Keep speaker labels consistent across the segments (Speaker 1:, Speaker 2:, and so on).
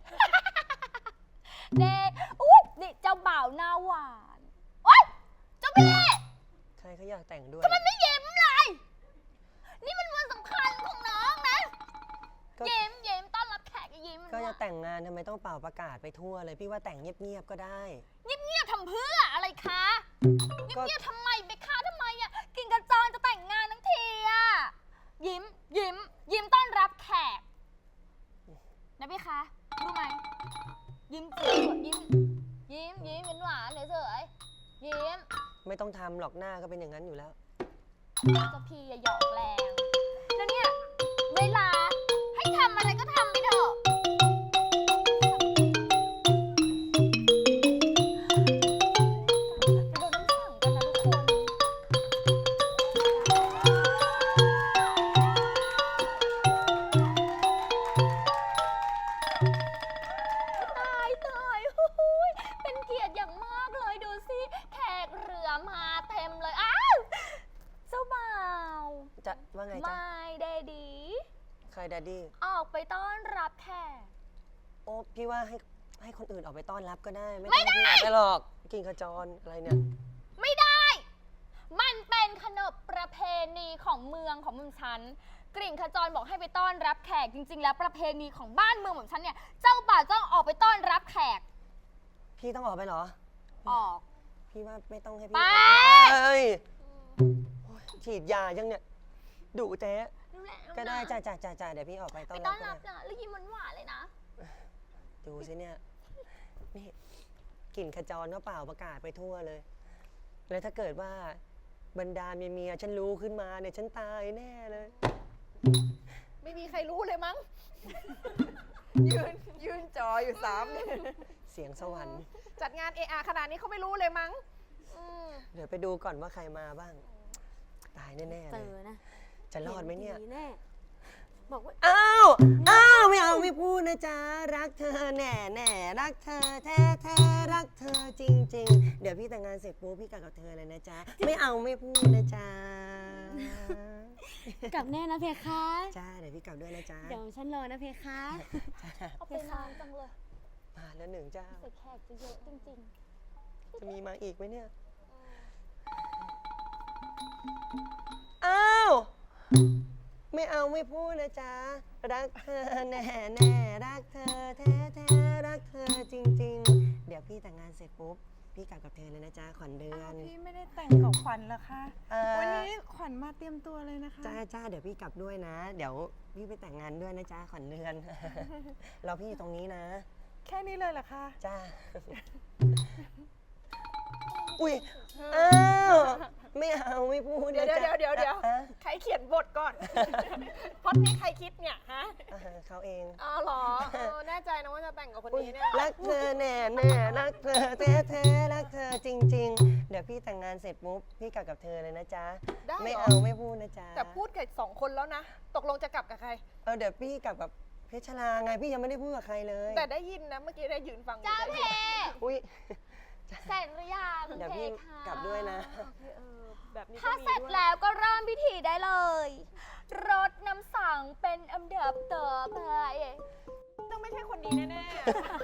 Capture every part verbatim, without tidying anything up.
Speaker 1: เด้อุ๊ยนี่เจ้าบ่าวหน้าหวานโอ๊ยเจ้าพี่
Speaker 2: ใครเขาอยากแต่งด้วย
Speaker 1: ทำไมไม่ยิ้มเลยนี่มันวันสำคัญของน้องนะยิ้มยิ้มต้อนรับแขกยิ้ม
Speaker 2: ก็จะแต่งงานทำไมต้องเป่าประกาศไปทั่วเลยพี่ว่าแต่งเงียบๆก็ได้
Speaker 1: เงียบๆทำเพื่ออะไรคะเงียบๆทำไมไปคะทำไมอ่ะกิ่งกระจรจะแต่งงานทั้งทีอ่ะยิ้มยิ้มยิ้มต้อนรับแขกนะพี่คะรู้ไหมยิ้มสวยยิ้มยิ้มยิ้มหวานๆเฉยๆยิ้ม
Speaker 2: ไม่ต้องทำหรอกหน้าก็เป็นอย่างนั้นอยู่แล้ว
Speaker 1: เจ้าพี่อย่าหยอกแรงแล้วเนี่ยเวลาให้ทำอะไรก็ทำไปเถอะ
Speaker 2: ว่าไงจ๊ะ
Speaker 1: ไม่ได้ดี
Speaker 2: ใครดดดี้
Speaker 1: ออกไปต้อนรับแขก
Speaker 2: โอ้พี่ว่าให้ให้คนอื่นออกไปต้อนรับก็ได้ไม่ต้องพี่ออกไปหรอกกิ่งขจรอะไรเนี่ย
Speaker 1: ไม่ได้มันเป็นขนบประเพณีของเมืองของเมืองฉันกริ่งขจรบอกให้ไปต้อนรับแขกจริงๆแล้วประเพณีของบ้านเมืองของฉันเนี่ยเจ้าบ่าวต้องออกไปต้อนรับแขก
Speaker 2: พี่ต้องออกไปเหรอ
Speaker 1: ออก
Speaker 2: พี่ว่าไม่ต้องให้พี่
Speaker 1: ไป
Speaker 2: เอ้ยฉีดยายังเนี่ยดุเจ๊ก็ได้จ้าจ้าจ้าจ้าเดี๋ยวพี่ออกไปต้อนรับไปต้อนรับ
Speaker 1: นะแล้วยิ้มหวานๆเลยนะ
Speaker 2: ดูสิเนี่ยนี่กลิ่นขจรก็เปล่าประกาศไปทั่วเลยแล้วถ้าเกิดว่าบรรดาเมียเมียฉันรู้ขึ้นมาเนี่ยฉันตายแน่เลย
Speaker 3: ไม่มีใครรู้เลยมั้งยืนยืนจออยู่สาม
Speaker 2: เสียงสวรรค์
Speaker 3: จัดงานเออาขนาดนี้เขาไม่รู้เลยมั้ง
Speaker 2: เดี๋ยวไปดูก่อนว่าใครมาบ้างตายแน่ๆเลยจะรอดไหมเนี่ย
Speaker 3: บอกว่า
Speaker 2: อ้าวอ้าวไม่เอาไม่พูดนะจ๊ะรักเธอแน่แน่รักเธอแท้แท้รักเธอจริงๆเดี๋ยวพี่แต่งงานเสร็จปุ๊บพี่กลับกับเธอเลยนะจ๊ะไม่เอาไม่พูดนะจ๊ะ
Speaker 4: กลับแน่นะเพคะ
Speaker 2: จ้าเดี๋ยวพี่กลับด้วยนะจ๊ะ
Speaker 4: เดี๋ยวฉันรอนะเพคะ
Speaker 1: เอาไปนานจังเลย
Speaker 2: มาแล้วหนึ่งเจ้า
Speaker 1: แขกจะเยอะจริง
Speaker 2: ๆจะมีมาอีกไหมเนี่ยอ้าวไม่เอาไม่พูดนะจ๊ะรักเธอแน่แน่รักเธอแท้แท้รักเธอจริงๆเดี๋ยวพี่แต่งงานเสร็จปุ๊บพี่กลับกับเธอเลยนะจ๊ะขวัญเดือน
Speaker 3: พี่ไม่ได้แต่งกับขวัญเหรอคะวันนี้ขวัญมาเตรียมตัวเลยนะคะ
Speaker 2: จ้าจ้าเดี๋ยวพี่กลับด้วยนะเดี๋ยวพี่ไปแต่งงานด้วยนะจ๊ะขวัญเดือนเราพี่อยู่ตรงนี้นะ
Speaker 3: แค่นี้เลยเหรอคะ
Speaker 2: จ้าอุ้ยอ้าวไม่เอาไม่พูด
Speaker 3: เดี๋ยวเดี๋ยวเดี๋ยวเดี๋ยวใครเขียนบทก่อนพอดนี้ใครคิดเนี่ยฮะ
Speaker 2: เขาเอง
Speaker 3: อ๋อเหรอแน่ใจนะว่าจะแต่งกับคนนี้เนี่ย
Speaker 2: รักเธอแน่แน่รักเธอแท้แท้รักเธอจริงๆเดี๋ยวพี่แต่งงานเสร็จปุ๊บพี่กลับกับเธอเลยนะจ๊ะไม่เอาไม่พูดนะจ๊ะ
Speaker 3: แต่พูดกับสองคนแล้วนะตกลงจะกลับกับใคร
Speaker 2: เออเดี๋ยวพี่กลับกับเพชรลาไงพี่ยังไม่ได้พูดกับใครเลย
Speaker 3: แต่ได้ยินนะเมื่อกี้ได้ยืนฟัง
Speaker 1: จ้าเพ
Speaker 2: อุ้ย
Speaker 1: เสร็จหรือยัง
Speaker 2: เดี๋ยวพี่กลับด้วยนะ
Speaker 1: ถ้าเสร็จแล้วก็เริ่มพิธีได้เลยรดน้ำสังเป็นอันดับต่อไป
Speaker 3: ต้องไม่ใช่คนนี้แน่ๆ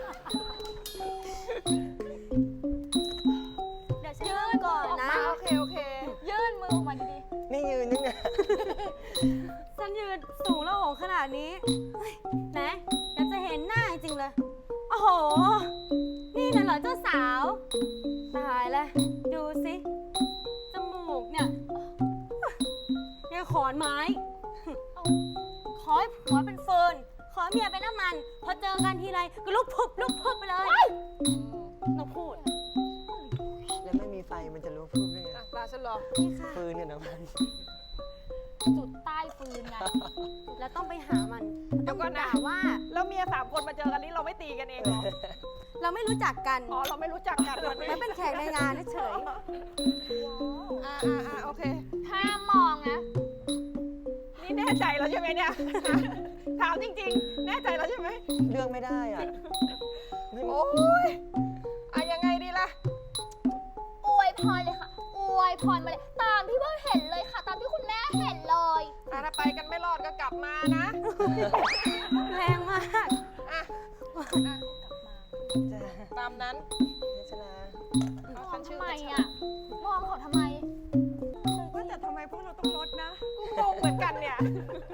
Speaker 1: เดี๋ยวยื่นก่อนนะ
Speaker 3: โอเคโอเค
Speaker 1: ยื่นมือออกมาดี
Speaker 2: ๆนี่ยืนนี่ไง
Speaker 4: ฉันยืนสูงแล้วโหขนาดนี้แหมอยากจะเห็นหน้าจริงเลยโอ้โหนี่น่ะเหรอเจ้าสาวตายแล้วดูสิจมูกเนี่ยเนี่ยขอนไม้ขอให้ผัวเป็นเฟิร์นขอเมียเป็นน้ำมันพอเจอกันทีไรก็ลุกพุบลุกพุบไปเลยน้องพูด
Speaker 2: แล้วไม่มีไฟมันจะลุกพุบได้ไง
Speaker 3: ตาฉันรอ
Speaker 2: ฟืนเนี่ยน้ำมัน
Speaker 1: จุดใต้ฟืนไง
Speaker 4: แล้วต้องไปหามัน
Speaker 3: ต้องด่าว่าแล้วเมียสามคนมาเจอกันนี้เราไม่ตีกันเองหรอ
Speaker 4: เราไม่รู้จักกัน
Speaker 3: อ๋อเราไม่รู้จักกัน
Speaker 4: มันเป็นแขกในงานเฉย
Speaker 3: อ่าอ่าโอเค
Speaker 1: ห้ามมองนะ
Speaker 3: นี่แน่ใจแล้วใช่ไหมเนี่ยถามจริงๆแน่ใจแล้วใช่ไหม
Speaker 2: เรื่องไม่ได้อ่ะ
Speaker 3: โอ้ยอ่ะยังไงดีล่ะ
Speaker 1: อวยพรเลยค่ะอวยพรมาเลยตามที่เพิ่งเห็นเลยค่ะตามที่คุณแม่เห็นเลย
Speaker 3: อ่ะถ้าไปกันไม่รอดก็กลับมานะ
Speaker 4: แรงมาก
Speaker 3: อ่ะอ่ะ
Speaker 2: จ้า
Speaker 3: ตามนั้น
Speaker 2: เพชรลา
Speaker 1: ม
Speaker 3: เอา
Speaker 1: อ
Speaker 3: ฉั
Speaker 1: ง
Speaker 3: นชื่
Speaker 1: ทำ
Speaker 3: อ
Speaker 1: ไม
Speaker 3: เพชร
Speaker 1: อ่ะ มองเขาทำไม
Speaker 3: ว่าแต่ทำไมพวกเราต้องลดนะ กูงงเหมือนกันเนี่ย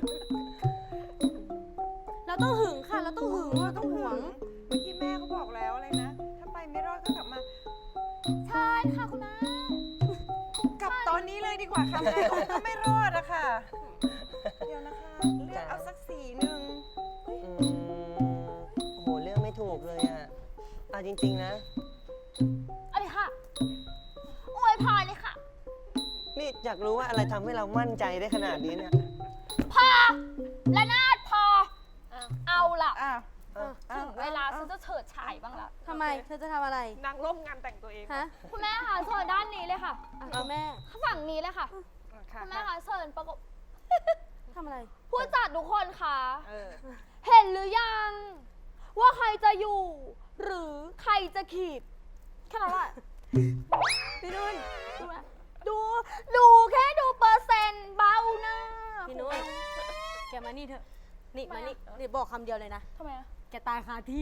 Speaker 4: เราต้องหึงค่ะ เราต้องหึงเราต้องหวง
Speaker 3: เมื่อกี้แม่เขาบอกแล้วอะไรนะ ถ้าไปไม่รอดก็กลับมา
Speaker 1: ใช่ค่ะคุณแม่
Speaker 3: กลับตอนนี้เลยดีกว่าค่ะแม่คงก็ไม่รอดอะค่ะ เดี๋ยวนะคะ เลือกเอาสักสีหนึ่ง
Speaker 2: อืมโหเรื่องไม่ถูกเลยอ่ะเอาจริง ๆ นะ
Speaker 1: อะไรค่ะ อวยพรเลยค่ะ
Speaker 2: นี่อยากรู้ว่าอะไรทำให้เรามั่นใจได้ขนาดนี้เนี่ย
Speaker 1: พอและนาดพอ เอาล่ะ
Speaker 3: อ่ะ
Speaker 1: ถึงเวลาฉันจะเฉิดฉายบ้างละ
Speaker 4: ทำไม เธอจะทำอะไร
Speaker 3: นางร่มงานแต่งตัวเอง
Speaker 4: ฮะ
Speaker 1: คุณแม่คะเชิญด้านนี้เลยค่ะ
Speaker 4: อ่ะคุณแม่
Speaker 1: ฝั่งนี้เลยค่ะ
Speaker 3: อ่ะค่ะ
Speaker 1: คุณแม่คะเชิญประกบ
Speaker 4: ทำอะไร
Speaker 1: ผู้จัดทุกคนค่ะ
Speaker 3: เออ
Speaker 1: เห็นหรือยัง ว่าใครจะอยู่ หรือใครจะขีดแค่นั้นแหละ
Speaker 4: พี่นุ่น
Speaker 1: ดูนะดู ดูแค่ดูเปอร์เซ็นต์เบาหน้า
Speaker 4: พี่นุ่น แกมานี่เถอะ นี่มานี่นี่บอกคำเดียวเลยนะ
Speaker 1: ทำไมอะ
Speaker 4: แกตายคาที่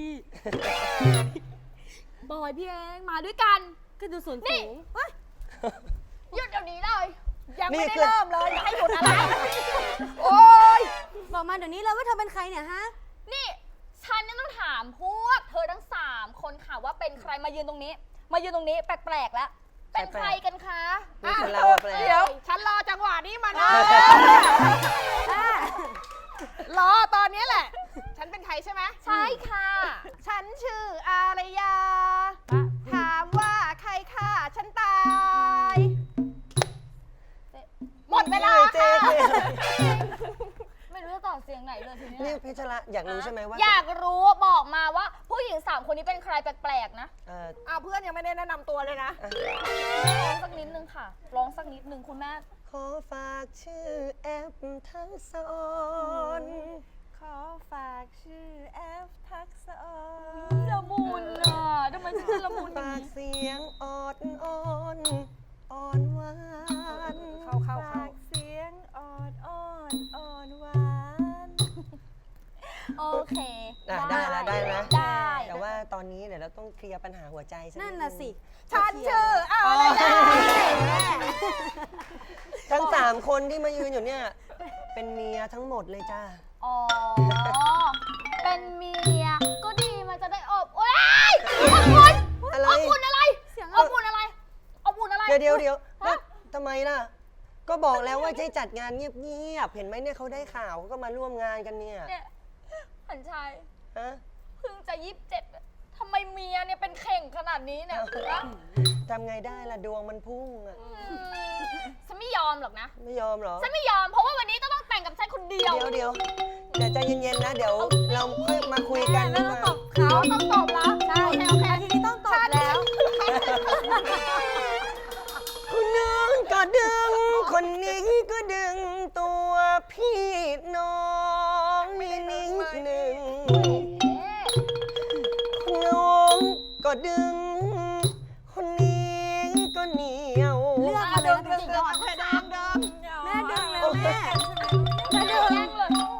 Speaker 1: บอยพี่เองมาด้วยกัน
Speaker 4: ก็ดูส่วน
Speaker 1: นี่
Speaker 4: สูงเฮ้ย
Speaker 1: หยุดเดี๋ยวนี้เลย
Speaker 3: ยัง
Speaker 2: นี่
Speaker 3: ไม่ได้
Speaker 2: คือ
Speaker 3: เริ่มเลยจะให้หยุดอะไร
Speaker 1: โอ๊ย
Speaker 4: บอกมาเดี๋ยวนี้เลยว่าเธอเป็นใครเนี่ยฮะ
Speaker 1: นี่ฉันเนี่ยต้องถามพวกเธอทั้งสามคนค่ะว่าเป็นใครมายืนตรงนี้ มายืนตรงนี้แปลกๆแล้ว เป็นใครกันคะ
Speaker 2: นี่คือเรา
Speaker 1: อ่ะ
Speaker 2: แปลก
Speaker 3: เดี๋ยว ฉันรอจังหวะนี้มานาน รอตอนนี้แหละ ฉันเป็นใครใช่ไหม
Speaker 1: ใช่ค่ะ
Speaker 3: ฉันชื่ออารยา ถามว่าใครฆ่าฉันตาย หมดเวลา
Speaker 2: เจ๊
Speaker 3: ค่ะ
Speaker 2: เจ๊
Speaker 1: ไม่รู้จะต่อเสียงไหนเลยที
Speaker 2: นี่
Speaker 1: เนี้ย
Speaker 2: เพชรละอยากรู้ใช่ไหมว่า
Speaker 1: อยากรู้บอกมาว่าผู้หญิงสามคนนี้เป็นใครแปลกๆนะ
Speaker 2: เอ่อ
Speaker 3: อ้าวเพื่อนยังไม่ได้แนะนำตัวเลยนะ
Speaker 1: ร้องสักนิดนึงค่ะ ร้องสักนิดนึงคุณแม่
Speaker 2: ขอฝากชื่อแอปทั้งสอน
Speaker 3: ขอฝากชื่อแอฟทักษะออน
Speaker 1: ละมุนอ่ะทำไมฉันละมุนอย่าง
Speaker 2: ฝาก
Speaker 1: นี้
Speaker 2: เสียงออดอ่อนอ่อนหวาน
Speaker 3: เข้าเข้าเข้าเสียงออดอ่อนอ่อนหวาน
Speaker 1: โอเค
Speaker 2: อ่ะได้แล้วได้แล้ว
Speaker 1: ได้
Speaker 2: แต่ว่าตอนนี้เดี๋ยวเราต้องเคลียร์ปัญหาหัวใจสัก
Speaker 4: นั่น
Speaker 2: ด
Speaker 4: น่ะสิ
Speaker 3: ฉันชื่ออารยา
Speaker 2: ทั้งสามคนที่มายืนอยู่เนี่ย เป็นเมียทั้งหมดเลยจ้า
Speaker 1: อ๋อ เป็นเมีย ก็ดีมันจะได้อบโอ๊ยอบอุ่น
Speaker 2: อะไร
Speaker 1: อบอุ่นอะไร
Speaker 4: เสียง
Speaker 1: อบอุ่นอะไรอบอุ่นอะไร
Speaker 2: เดี๋ยวเดี๋ยวเดี๋ยว
Speaker 1: ฮะ
Speaker 2: ทำไมล่ะ ก็บอกแล้วว่าจะจัดงานเงียบๆ เห็นไหมเนี่ยเขาได้ข่าวเขาก็มาร่วมงานกันเนี่ย
Speaker 1: เนี่ยหันชาย
Speaker 2: ฮะ
Speaker 1: เพิ่งจะยี่สิบเจ็ดทำไมเมียเนี่ยเป็นเข่งขนาดนี้เนี่ยฮะ
Speaker 2: ทำไงได้ล่ะดวงมันพุ่งอะ
Speaker 1: อืมฉันไม่ยอมหรอกนะ
Speaker 2: ไม่ยอมเหรอ
Speaker 1: ฉันไม่ยอม เพราะว่าวันนี้จะต้องแต่งกับฉันคนเดียว
Speaker 2: เดี๋ยวเดี๋ยวเดี๋ยวใจเย็นๆนะ เดี๋ยวเราค่อยมาคุยกันดี
Speaker 4: แม่
Speaker 2: ก
Speaker 4: ต้อง
Speaker 2: ว่า
Speaker 4: ตบเขาต้องตบแล้วใช่โอเคโอเคทีนี้ต้องตบแล้ว
Speaker 2: คนนึงก็ดึง คนนี้ก็ดึงตัวพี่น้องนิดหนึ่งน้องก็ดึง คนนี้ก็เหนียว
Speaker 4: เลือกมาเลย
Speaker 1: เดิม
Speaker 4: นะ
Speaker 1: เดิม
Speaker 3: แค่เดิมเดิม
Speaker 4: แม่ดึงแล้วแม่
Speaker 1: แม่ดึงเลย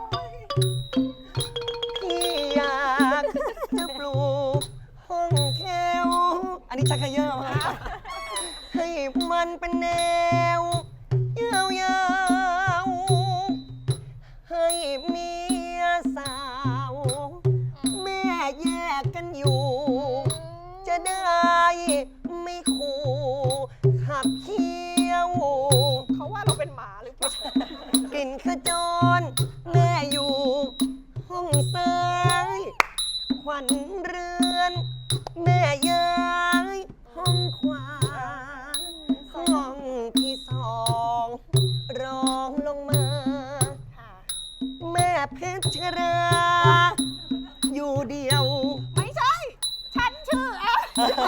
Speaker 2: พี่อยากจะปลูกห้องแถวอันนี้ชักเขย่อมาให้มันเป็นแนวยาวๆให้เมียสาว แม่แยกกันอยู่ จะได้ไม่ขู่ขับเคี้ยว
Speaker 3: เขาว่าเราเป็นหมาหรือเปล่าก
Speaker 2: ลิ่นขจร แม่อยู่ ห้องซ้ายขวัญเรือน แม่ย้ายห้องขวา ห้องที่สองรองลงมา
Speaker 3: ค่ะ
Speaker 2: แม่เพชรรา อยู่เดียว
Speaker 3: ไม่ใช่ ฉันชื่อแอฟ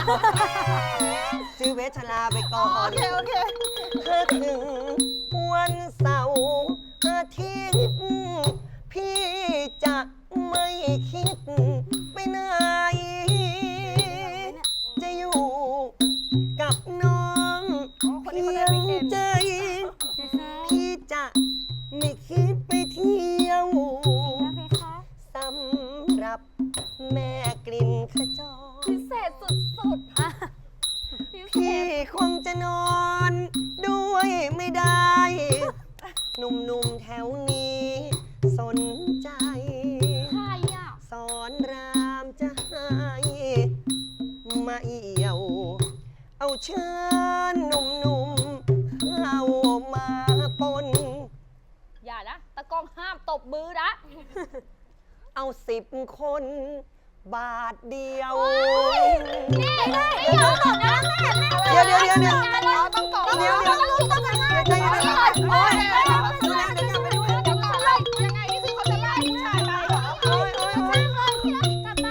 Speaker 2: ชื่อเพชรลาไปก่อ
Speaker 3: โอน เคโอเค
Speaker 2: ถ้าถึงวันเสาร์อาทิตย์พี่จะไม่คิดไปไหน จะอยู่กับน้อง
Speaker 3: อ๋อคนนี้
Speaker 2: เพี
Speaker 3: เขา
Speaker 2: ย
Speaker 3: ได้
Speaker 2: ง
Speaker 3: วีคเอนด์
Speaker 2: ใจ พี่จะไม่คิดไปเที่ยว
Speaker 4: แล้วเพคะ
Speaker 2: สำหรับแม่ขจร
Speaker 1: พิเศษสุดๆอะพิเศ
Speaker 2: พี่
Speaker 1: ษ
Speaker 2: คงจะนอนด้วยไม่ได้ หนุ่มๆแถวนี้สนใจ
Speaker 1: ใครอ่ะ
Speaker 2: สอนรามจะให้มาเอี่ยว เอาเชิญหนุ่มๆเข้ามาปน
Speaker 1: อย่านะ ตะกองห้ามตบมือนะ
Speaker 2: เอาสิบคน บาทเดียว
Speaker 1: นี่ไม่ยอมตบนะแม่
Speaker 2: เดี๋ยวเดี๋ยวเดี๋ยวเดี๋ยว
Speaker 1: ต้องตบ
Speaker 2: เดี๋ยวเดี๋ยว
Speaker 1: ต้องตบนะ
Speaker 2: ใจเย็นๆ
Speaker 1: โอ๊ยเดี๋ยวก่อนไล่ยังไงนี่คือเขาจะไล่ผู้ชายไปเหรอ
Speaker 2: โอ๊ยโอ๊ยโอ๊ย
Speaker 1: กลับไป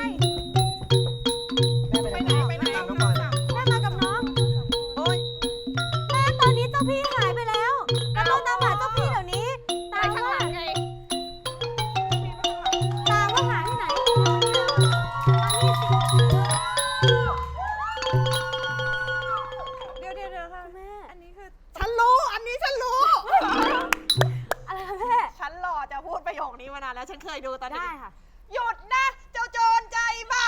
Speaker 3: ไปไหนไปไหน
Speaker 2: ตามน้องก่อน
Speaker 4: แม่มากับน้อง
Speaker 2: โอ๊ย
Speaker 4: แม่ตอนนี้เจ้าพี่หายไปแล้วเราต้องตามหาเจ้าพี่เดี๋ยวนี้
Speaker 1: ไป
Speaker 4: ตาม
Speaker 1: ข้างห
Speaker 4: ว่า
Speaker 1: ลังไง
Speaker 4: ตามว่าหาที่ไหน
Speaker 3: เดี๋ยวเดี๋ยวเดี๋ยวค่ะ
Speaker 4: แม่
Speaker 3: อันนี้คือ ฉันรู้ อันนี้ฉันรู้
Speaker 4: อะไรคะแม่
Speaker 3: ฉันรอจะพูดประโยคนี้มานานแล้ว ฉันเคยดูตอนเด็
Speaker 4: ได้
Speaker 3: ก
Speaker 4: ค่ะ
Speaker 3: หยุดนะ เจ้าโจรใจบ้า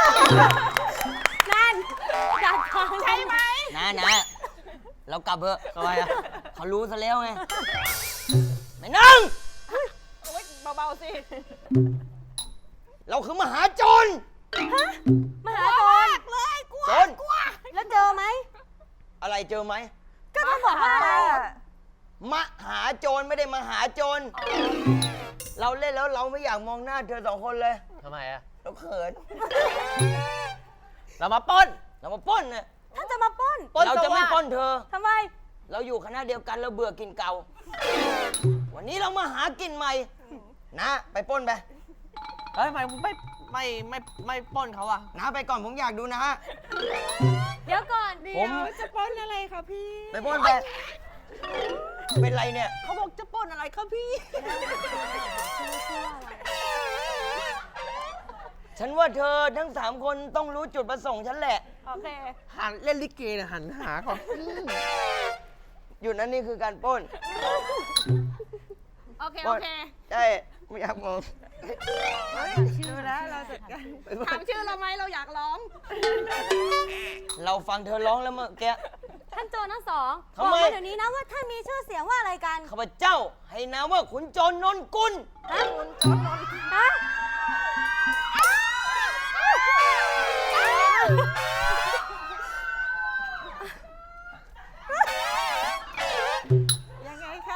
Speaker 4: นั่นดักทาง
Speaker 3: ใช่ไหม
Speaker 5: นะนะเรากลับเถอะทำไมอ่ะเขารู้ซะแล้วไงไม่นั่ง
Speaker 3: โอ๊ยเบาๆสิ
Speaker 5: เราคือมหาโจร
Speaker 4: มหาโจร
Speaker 3: เลยกลัว
Speaker 5: โจร
Speaker 3: กลัว
Speaker 4: แล้วเจอไหม
Speaker 5: อะไรเจอไหม
Speaker 4: ก็ต้องบอกว่าอะไรอะ
Speaker 5: มหาโจรไม่ได้มหาโจร เราเล่นแล้วเราไม่อยากมองหน้าเธอสองคนเลย
Speaker 6: ทำไมอะ
Speaker 5: เราเขิน
Speaker 6: เรามาปล้น
Speaker 5: เรามาปล้นนะ
Speaker 4: ท่านจะมาปล้น
Speaker 6: ปล้น
Speaker 5: เราจะ
Speaker 6: สวั
Speaker 5: ไม่
Speaker 6: สดิ์
Speaker 5: ปล้นเธอ
Speaker 4: ทำไม
Speaker 5: เราอยู่คณะเดียวกันเราเบื่อกินเก่า วันนี้เรามาหากินใหม่ นะ ไปปล้นไป
Speaker 6: เฮ้ยทำไมมึงไม่ไม่ไม่ไม่ปล้นเขาอะ
Speaker 5: นะไปก่อนผมอยากดูนะฮะ
Speaker 4: เดี๋ยวก่อน
Speaker 3: เดี๋
Speaker 5: ผ
Speaker 3: ยว
Speaker 5: ม
Speaker 3: จะปล้นอะไรคะพี่
Speaker 5: ไปปล้นไป เป็นไรเนี่ย
Speaker 3: เขาบอกจะปล้นอะไรคะพี่
Speaker 5: ฉันว่าเธอทั้งสามคนต้องรู้จุดประสงค์ฉันแหละ
Speaker 3: โอเค
Speaker 6: หันเล่นลิเกเนี่ยหันหาก่อน
Speaker 5: อยู่นั้นนี่คือการปล้น
Speaker 1: โอเค
Speaker 5: ป
Speaker 1: โอ
Speaker 5: ล้น
Speaker 1: เค
Speaker 5: ใช่ ไม่อยากมอง
Speaker 3: ดูแล้วเราจัดการถามชื่อเราไหมเราอยากร้อง
Speaker 5: เราฟังเธอร้องแล้วเมื่อกี้
Speaker 4: ท่านโจรทั้งสอง
Speaker 5: ทำ
Speaker 4: บอก
Speaker 5: ไม
Speaker 4: มาเดี๋ยวนี้นะว่าท่านมีชื่อเสียงว่าอะไรกัน
Speaker 5: ข้าพเจ้าให้นามว่าขุนโจรนนกุล
Speaker 4: ฮะฮะ
Speaker 3: ยังไงคะ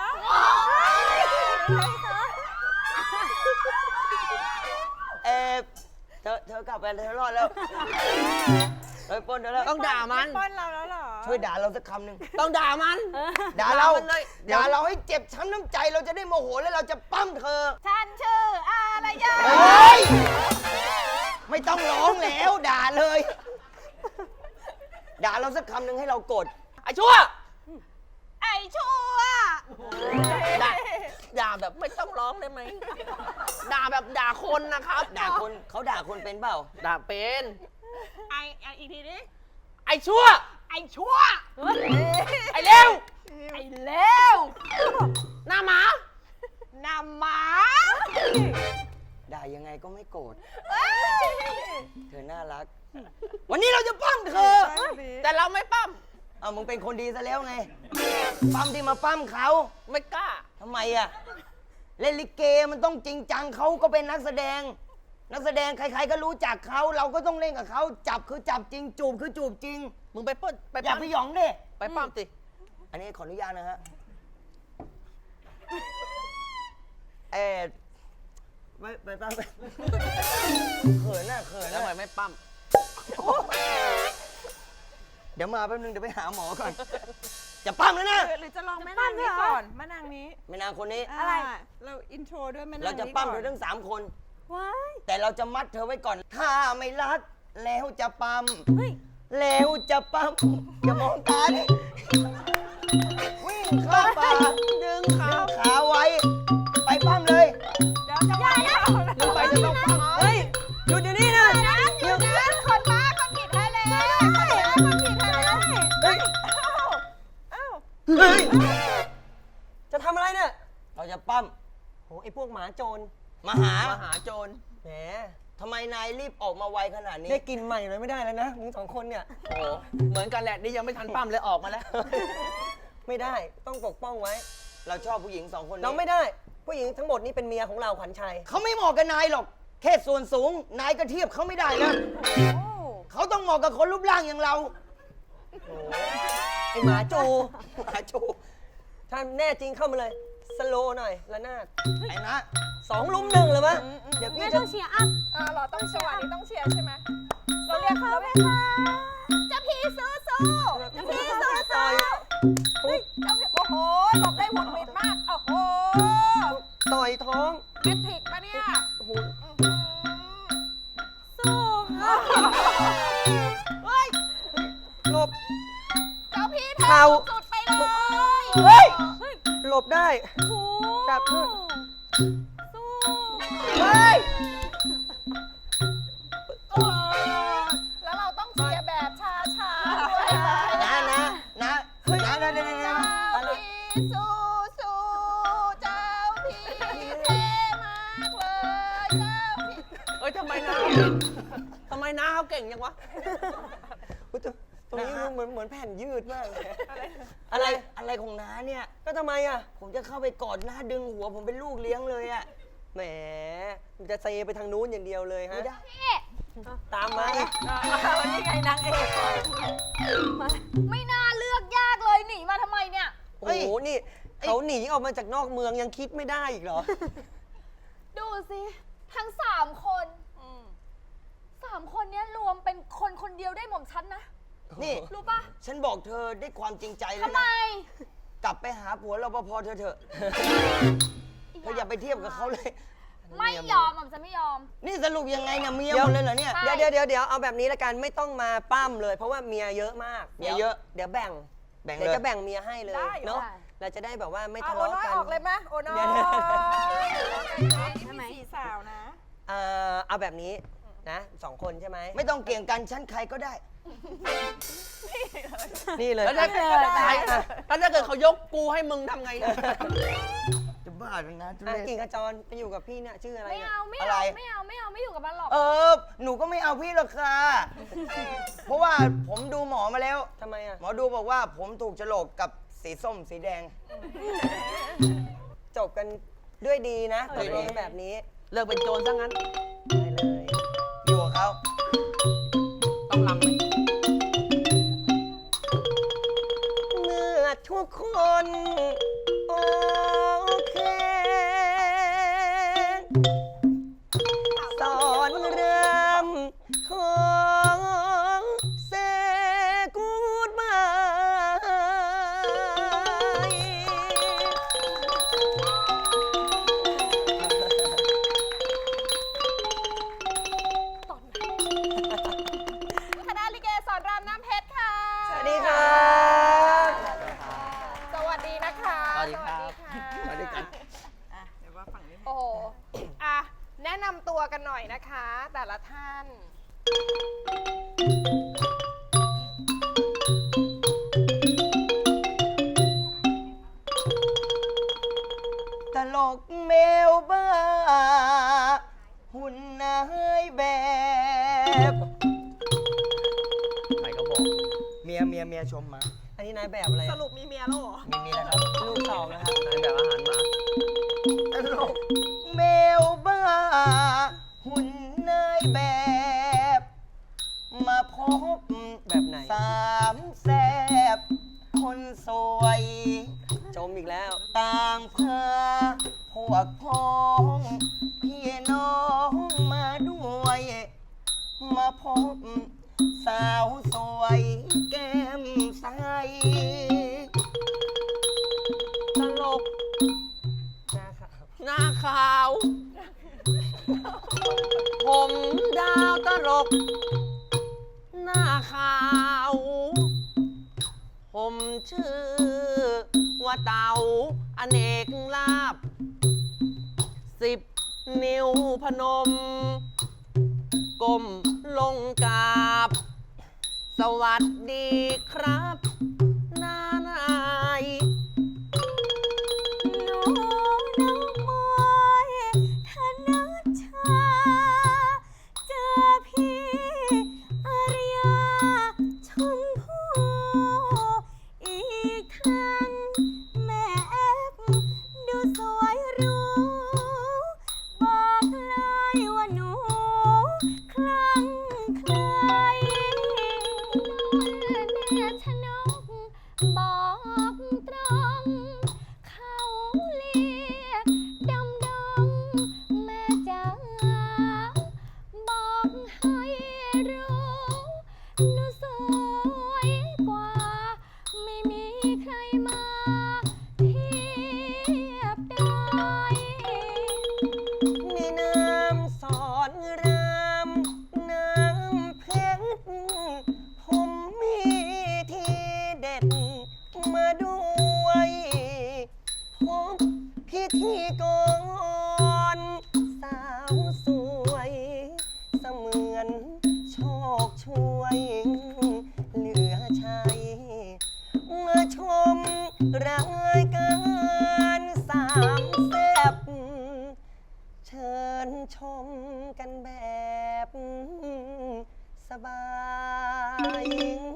Speaker 5: เออเธอเธอกลับไปเธอรอดแล้วเฮ้ยปล้นเธอแล้ว
Speaker 6: ต้องด่ามัน
Speaker 3: ปล้นเราแล้วเหรอ
Speaker 5: ช่วยด่าเราสักคำหนึ่ง
Speaker 6: ต้องด่ามัน
Speaker 5: ด่าเรา
Speaker 6: ด่ามันเลยเดี๋ยว
Speaker 5: ด่าเราให้เจ็บช้ำน้ำใจเราจะได้โมโหแล้วเราจะปั้มเธอ
Speaker 3: ฉันชื่ออะไรยะ
Speaker 5: เฮ้ย ไม่ต้องร้องแล้วด่าเลย ด่าเราสักคำหนึ่งให้เราโกรธ
Speaker 6: ไอ้ชั่ว
Speaker 3: ไอ้ชั่ว
Speaker 6: ด่าด่าแบบไม่ต้องร้องได้ไหม ด่าแบบด่าคนนะครับ
Speaker 5: ด่าคนเขาด่าคนเป็นเปล่า
Speaker 6: ด่าเป็น
Speaker 3: ไอ้ไอ้อีกทีนี้
Speaker 6: ไอ้ชั่ว
Speaker 3: ไอ้ชั่ว
Speaker 6: ไอ้เร็ว
Speaker 3: ไอ้เลว
Speaker 6: หน้าหมา
Speaker 3: นำหมา
Speaker 5: ด่ายังไงก็ไม่โกรธ เธอน่ารัก วันนี้เราจะปั้มเธอ
Speaker 6: แต่เราไม่ปั้ม
Speaker 5: เอามึงเป็นคนดีซะแล้วไง ปั้มที่มาปั้มเขา
Speaker 6: ไม่กล้า
Speaker 5: ทำไมอะเล่นลิเกมันต้องจริงจังเขาก็เป็นนักแสดง นักแสดงใครๆก็รู้จักเขาเราก็ต้องเล่นกับเขาจับคือจับจริงจูบคือจูบจริง
Speaker 6: มึงไปปล้นไป
Speaker 5: อย่า
Speaker 6: ปั้ม
Speaker 5: ไปหยองดิ
Speaker 6: ไปปั้มสิ
Speaker 5: อันนี้ขออนุญาตนะฮะเออไปไปปั้มไปเขินน่ะเขิน
Speaker 6: แล้ว
Speaker 5: น่ะ
Speaker 6: ทำไมไม่ปั้ม
Speaker 5: เดี๋ยวมาแป๊บนึงเดี๋ยวไปหาหมอก่อน จะปั้มแล้วนะ
Speaker 3: หรือจะลองแม่นางนี้ก่อนแม่นางนี้
Speaker 5: แม่นางคนนี้
Speaker 3: อะไร เราอินโทรด้วยแม่นางนี้
Speaker 5: เราจะปั้มเธอทั้งสามคน
Speaker 4: ว้าย
Speaker 5: แต่เราจะมัดเธอไว้ก่อน ถ้าไม่รัดแล้วจะปั๊ม
Speaker 4: เฮ้ย
Speaker 5: แล้วจะปั๊มอย่ามองตาดิวิ่งเข้าป่าดึงขาขาไว้ ไปปั้มเลย
Speaker 3: เดี๋ยวจะไปแล้ว
Speaker 5: มึงไปจะต้องปั้มเฮ้ยหยุดเดี๋ยวนี้นะ
Speaker 3: หยุดนะคนบ้าคนผิดไทยแล้วคนบ้าคนผิดไทยแล้ว
Speaker 5: เฮ้ย
Speaker 3: อ้าว
Speaker 5: เฮ้ย
Speaker 2: จะทำอะไรเนี่ย
Speaker 5: เราจะปั้ม
Speaker 2: โห ไอ้พวกหมาโจร
Speaker 5: มาหา
Speaker 6: มหาโจร
Speaker 2: แหม
Speaker 5: ทำไมนายรีบออกมาไวขนาดนี้
Speaker 2: ได้กินใหม่เลยไม่ได้แล้วนะมึงสองคนเนี่ย
Speaker 6: โอ้โหเหมือนกันแหละ นี่ยังไม่ทันปั้มเลยออกมาแล้ว
Speaker 2: ไม่ได้ต้องปกป้องไว้
Speaker 5: เราชอบผู้หญิงสองคนนี้
Speaker 2: น้องไม่ได้ ผู้หญิงทั้งหมดนี่เป็นเมียของเราขวัญชัย
Speaker 5: เขาไม่เหมาะกับนายหรอก แค่ส่วนสูง นายก็เทียบเขาไม่ได้นะเขาต้องเหมาะกับคนรูปร่างอย่างเรา
Speaker 2: ไอหมาจู
Speaker 5: หมาจู
Speaker 2: ถ้าแน่จริงเข้ามาเลย สโลว์หน่อยละนาด
Speaker 5: ไอ้นะ
Speaker 2: สองลุมหนึ่งเลยวะเดี๋ยวพี่
Speaker 4: แม่
Speaker 2: จะ
Speaker 4: ต้องเชียร์อัพ
Speaker 3: อ่าเราต้องจังหวะนี้ต้องเชียร์ใช่ไหมเราเรียกเขาไหมคะเจ้าพี่สู้สู้เจ้าพี่สู้สู้เฮ้ยเจ้าพี่โอ้โหหลบได้หวุดหวิดมาก โอ้โห
Speaker 2: ต่อยท้อง
Speaker 3: แมทริกมาเนี่ย
Speaker 2: โอ้โห
Speaker 4: สู้ค่ะ
Speaker 3: เฮ้ย
Speaker 2: หลบ
Speaker 3: เจ้าพี่
Speaker 2: เข่า
Speaker 3: สุดไปเลย
Speaker 2: เฮ้ยหลบได้
Speaker 4: โอ้
Speaker 2: จับขึ้น
Speaker 4: สู้
Speaker 2: เฮ้ย
Speaker 3: โอ้แล้วเราต้องเชียร์แบบช้าๆด้วย
Speaker 5: นะนะนะนะนะนะนะนะ
Speaker 3: เจ้าพี่สู้สู้เจ้าพี่เท่มากเลยเจ้าพี่
Speaker 6: เอ้ยทำไมน้าทำไมน้าเขาเก่งจังวะ
Speaker 2: อุ๊ยตรงตรงนี้เหมือนเหมือนแผ่นยืดมากเลย
Speaker 5: อะไรอะไรของน้าเนี่ย
Speaker 2: ก็ทำไมอ่ะ
Speaker 5: ผมจะเข้าไปกอดหน้าดึงหัวผมเป็นลูกเลี้ยงเลยอะ
Speaker 2: แหมมันจะเซไปทางนู้นอย่างเดียวเลยฮะ
Speaker 5: ไม่ได้
Speaker 1: พี่
Speaker 2: ตามมา
Speaker 3: นี่ไงนางเอก
Speaker 1: ไม่น่าเลือกยากเลยหนีมาทำไมเนี่ย
Speaker 2: โอ้โห นี่เขาหนีออกมาจากนอกเมืองยังคิดไม่ได้อีกเหรอ
Speaker 1: ดูสิทั้งสามคนสามคนเนี้ยรวมเป็นคนคนเดียวได้หม่อมฉันนะ
Speaker 5: นี่
Speaker 1: รู้ปะ
Speaker 5: ฉันบอกเธอด้วยความจริงใจเล
Speaker 1: ทำ
Speaker 5: ย
Speaker 1: ไม
Speaker 5: นะ กลับไปหาผัวรปภเธอเถอะเธออย่าไปเทียบกับเขาเลย
Speaker 1: ไม่ยอมหม่อมฉันไม่ยอม
Speaker 5: นี่สรุปยังไงเนี่ยเมีย
Speaker 2: เดี๋
Speaker 5: ห
Speaker 2: ยว
Speaker 5: มดเลยเหรอเนี่ย
Speaker 1: ใช่
Speaker 2: เดี๋ยวเดี๋ยวเดี๋ยวเอาแบบนี้ละกันไม่ต้องมาปั้มเลย เพราะว่าเมียเยอะมาก
Speaker 5: เมียเยอะ
Speaker 2: เดี๋ยวแบ่ง
Speaker 5: แบ่ง
Speaker 2: เดี๋ยว
Speaker 5: เลย
Speaker 2: จะแบ่งเมียให้เลย
Speaker 3: ได้
Speaker 2: เนาะ
Speaker 1: ได้
Speaker 2: เราจะได้แบบว่าไม่
Speaker 3: เอา
Speaker 2: ทะ
Speaker 3: โอ
Speaker 2: เลาะ
Speaker 3: น้อย
Speaker 2: กัน
Speaker 3: ออกเลยไหมโอน้อย
Speaker 2: เดี๋ยว
Speaker 3: นี่มีสี่สาวนะ
Speaker 2: เอ่อเอาแบบนี้นะสองคนใช่ไหม
Speaker 5: ไม่ต้องเกี่ยงกันฉันใครก็ได้
Speaker 2: นี่เลย
Speaker 6: แล้วถ้าเกิดแล้วถ้าเกิดเขายกกูให้มึงทำไง
Speaker 5: จะบ้าเลยนะทุ
Speaker 2: อ่ะ
Speaker 5: เรศ
Speaker 2: กิ่งขจรไปอยู่กับพี่เนี่ยชื่ออะไร
Speaker 1: ไม่
Speaker 2: เนี่ย
Speaker 1: เอาไม่
Speaker 5: อะไร
Speaker 1: เอาไม่เอาไม่เอาไม่อยู่กับมันหรอก
Speaker 5: เออ หนูก็ไม่เอาพี่หรอกค่ะ เพราะว่าผมดูหมอมาแล้ว
Speaker 2: ทำไมอ่ะ
Speaker 5: หมอดูบอกว่าผมถูกโฉลกกับสีส้มสีแดง
Speaker 2: จบกันด้วยดีนะ
Speaker 5: ดี
Speaker 2: ตกลงแบบนี้
Speaker 6: เลิกเป็นโจรซะงั้น
Speaker 2: ได้เลย
Speaker 5: อยู่กับเขา
Speaker 6: ต้องลำไหม
Speaker 2: เมื่อทุกคน โอเคสอนเริ่มของเซกูดบาย
Speaker 3: คณะลิเกสอนรามน้ำเพชรค่ะ
Speaker 2: สวัสดีครับ
Speaker 3: สวัสดีนะคะ
Speaker 6: สวัสดีครับ
Speaker 3: สวัสดีค่ะ
Speaker 6: มาด้วยกัน
Speaker 3: เดี๋ยวว่าฝั่งนี้โอ้โหอ่ะ แนะนำตัวกันหน่อยนะคะ แต่ละท่าน
Speaker 5: ตลกเมลบ้า หุ่นนายแบบ
Speaker 6: ใครก็บอก
Speaker 5: เมียเมียเมียชมมา
Speaker 2: อันนี้นายแบบอะไร
Speaker 3: สรุปมีเมียแล้วเหรอ
Speaker 5: มีเมียแล้วครับ
Speaker 2: ลูกสองนะครับ
Speaker 6: นายแบบอาหารหมา
Speaker 5: ตลกเมลบ้า หุ่นนายแบบ มาพบ
Speaker 2: แบบไหน
Speaker 5: สามแสบ คนสวย
Speaker 2: จมอีกแล้ว
Speaker 5: ต่างพาพวกพ้องพี่น้องมาด้วย มาพบสาวสวยแก้มใส
Speaker 2: ตลกนะครับ
Speaker 6: หน้าขาว ผมดาวตลก หน้าขาว ผมชื่อว่าเต๋าอเนกลาบ สิบนิ้วพนม ก้มลงกราบ สวัสดีครับนานาย
Speaker 4: หนูน้องมอยธนชา
Speaker 2: ก่อนสาวสวยเสมือนโชคช่วยเหลือใช้มาชมรายการสามแซ่บเชิญชมกันแบบสบาย